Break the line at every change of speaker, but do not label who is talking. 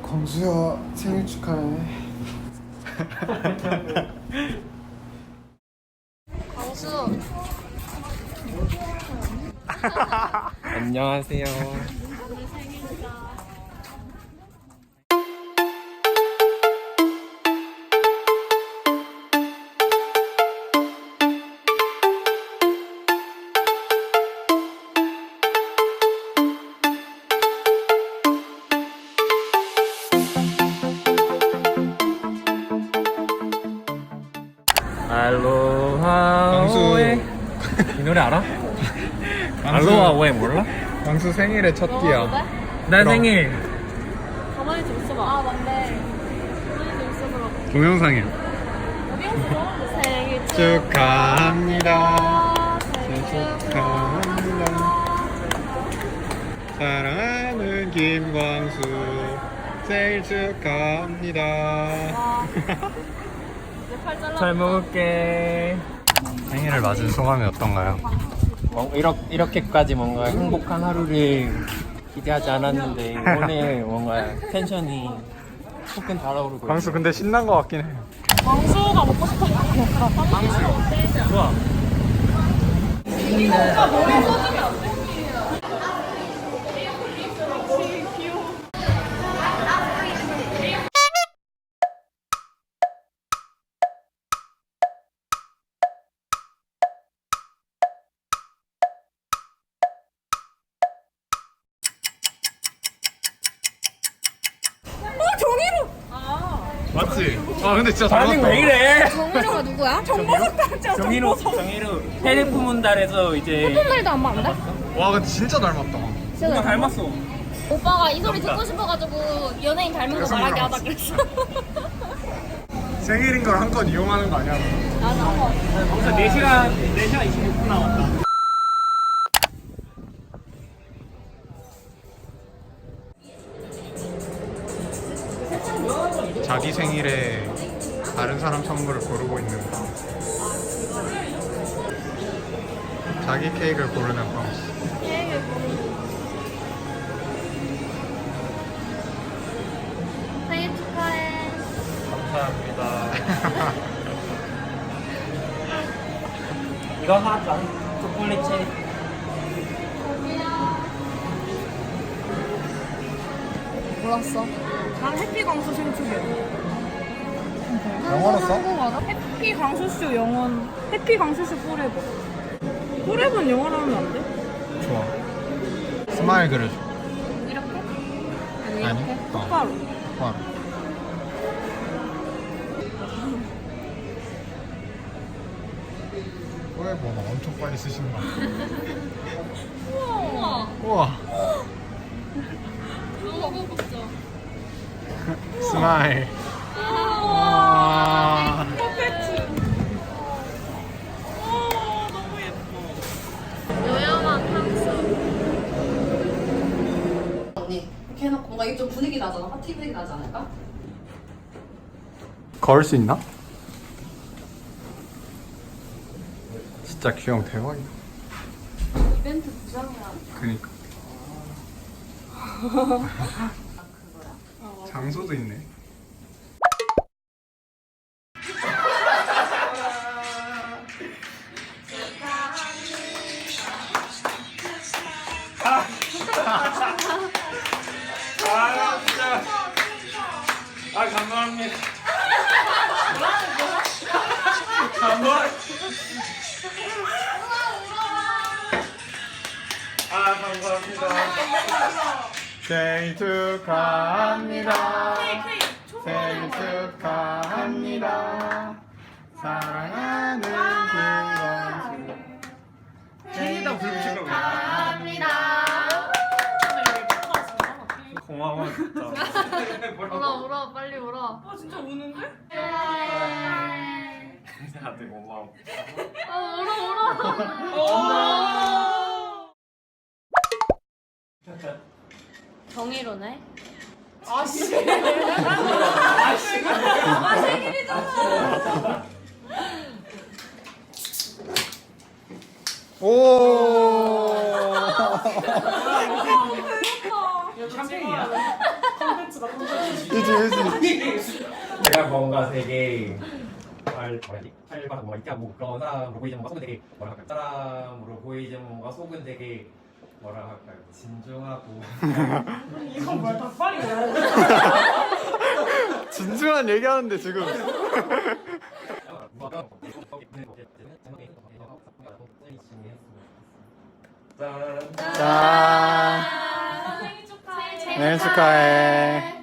광수야 생일 축하해.
광수.
안녕하세요.
오늘 생일이다.
알로하
광수.
오에 이 노래 알아? 알로하 오에 몰라?
광수 생일의 첫 끼야.
난
그럼.
생일
가만히 좀 있어봐. 아 맞네. 가만히 좀 있어보라고.
동영상이야.
어디였어? 생일
축하합니다.
생일
축하합니다. 사랑하는 김광수 생일 축하합니다.
와. 이제 팔 잘라.
잘 먹을게.
생일을 맞은 소감이 어떤가요?
이렇게까지 뭔가 행복한 하루를 기대하지 않았는데 오늘 뭔가 텐션이 푹 달아오르고
광수 근데 신난 것 같긴 해.
광수가 먹고 싶어.
있어. 좋아.
오빠 머리 써주면 안 돼?
맞지? 아 근데 진짜 잘
반응
맞다.
왜 이래?
정희로가 누구야? 정보석 닮자.
정희로 테레프문 달에서 이제
말도 안 맞는데?
와 근데 진짜 닮았다.
뭔가 닮았어.
오빠가 이 소리 듣고 싶어가지고 연예인 닮은 거 말하게 하다 그랬어.
생일인 걸 한껏 이용하는 거 아니야?
맞아.
벌써 4시간 26분 남았다.
자기 생일에 다른 사람 선물을 고르고 있는 광수. 자기 케이크를 고르는 광수.
생일 축하해.
감사합니다. 이거 하자. 초콜릿 체리.
몰랐어.
난 해피 광수 생축이야.
영어로 써?
해피 광수쇼 영원. 해피 광수쇼 포레버. 포레버는 영어로 하면 안 돼?
좋아. 스마일 그려줘.
이렇게?
아니?
똑바로.
바로. 왜 뭐가 엄청 빨리 쓰시는 거 같아.
우와.
우와.
너무 고급져.
스마일.
우와.
퍼펙트. 너무 예뻐.
요염한 향수.
언니 이렇게 해놓고 뭔가 이게 좀 분위기 나잖아. 파티 분위기 나지 않을까?
걸 수 있나? 진짜 귀여운 대박이다.
이벤트 부장이야.
그니까. 장소도 있네.
아 진짜. 아 감사합니다. 아 감사합니다.
생일 축하합니다. 생일 축하합니다. 사랑하는 김광수.
생일다 불붙인 거 고마워 진짜.
울어 빨리 울어.
아 진짜 우는데?
다들 고마워.
울어. 정의로네.
아씨.
오.
샴페인이야?
콘텐츠다 콘텐츠.
제가 뭔가 되게 활발 뭔가 있게 하고 그러나 보이지만 뭔가 속은 되게 뭐라 할까요? 사람으로 보이지만 뭔가 속은 되게 뭐라 할까요? 진중하고
이건 뭐야 닭발이야.
진중한 얘기하는데 지금.
짠.
짠.
생일 축하해.
생일 축하해.